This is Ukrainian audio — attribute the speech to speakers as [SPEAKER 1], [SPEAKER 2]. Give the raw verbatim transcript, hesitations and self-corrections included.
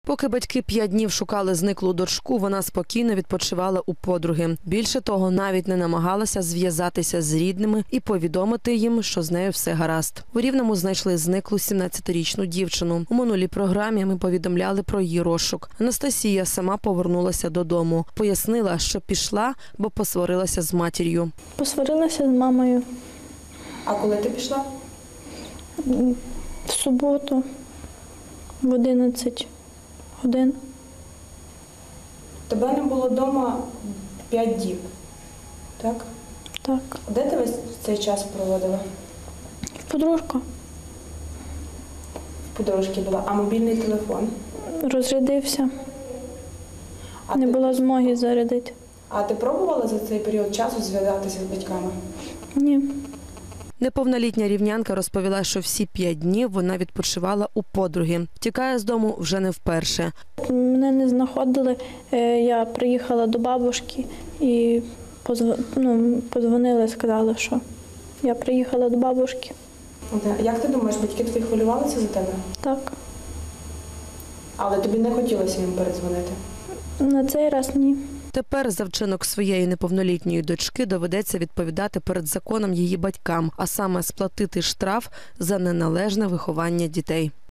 [SPEAKER 1] Поки батьки п'ять днів шукали зниклу дочку, вона спокійно відпочивала у подруги. Більше того, навіть не намагалася зв'язатися з рідними і повідомити їм, що з нею все гаразд. У Рівному знайшли зниклу сімнадцятирічну дівчину. У минулій програмі ми повідомляли про її розшук. Анастасія сама повернулася додому. Пояснила, що пішла, бо посварилася з матір'ю.
[SPEAKER 2] Посварилася з мамою.
[SPEAKER 3] А коли ти пішла?
[SPEAKER 2] В суботу в одинадцять годин.
[SPEAKER 3] Тебе не було вдома п'ять діб, так?
[SPEAKER 2] Так.
[SPEAKER 3] Де ти весь цей час проводила?
[SPEAKER 2] Подружка.
[SPEAKER 3] В подружки була. А мобільний телефон?
[SPEAKER 2] Розрядився.
[SPEAKER 3] А
[SPEAKER 2] Не
[SPEAKER 3] ти,
[SPEAKER 2] було змоги зарядити.
[SPEAKER 3] а ти пробувала за цей період часу зв'язатися з батьками?
[SPEAKER 2] Ні.
[SPEAKER 1] Неповнолітня рівнянка розповіла, що всі п'ять днів вона відпочивала у подруги. Втікає з дому вже не вперше.
[SPEAKER 2] Мене не знаходили. Е, Я приїхала до бабушки і позв- ну, подзвонили, сказали, що я приїхала до бабушки.
[SPEAKER 3] Де- Як ти думаєш, батьки твої хвилювалися за тебе?
[SPEAKER 2] Так.
[SPEAKER 3] Але тобі не хотілося їм передзвонити?
[SPEAKER 2] На цей раз ні.
[SPEAKER 1] Тепер за вчинок своєї неповнолітньої дочки доведеться відповідати перед законом її батькам, а саме сплатити штраф за неналежне виховання дітей.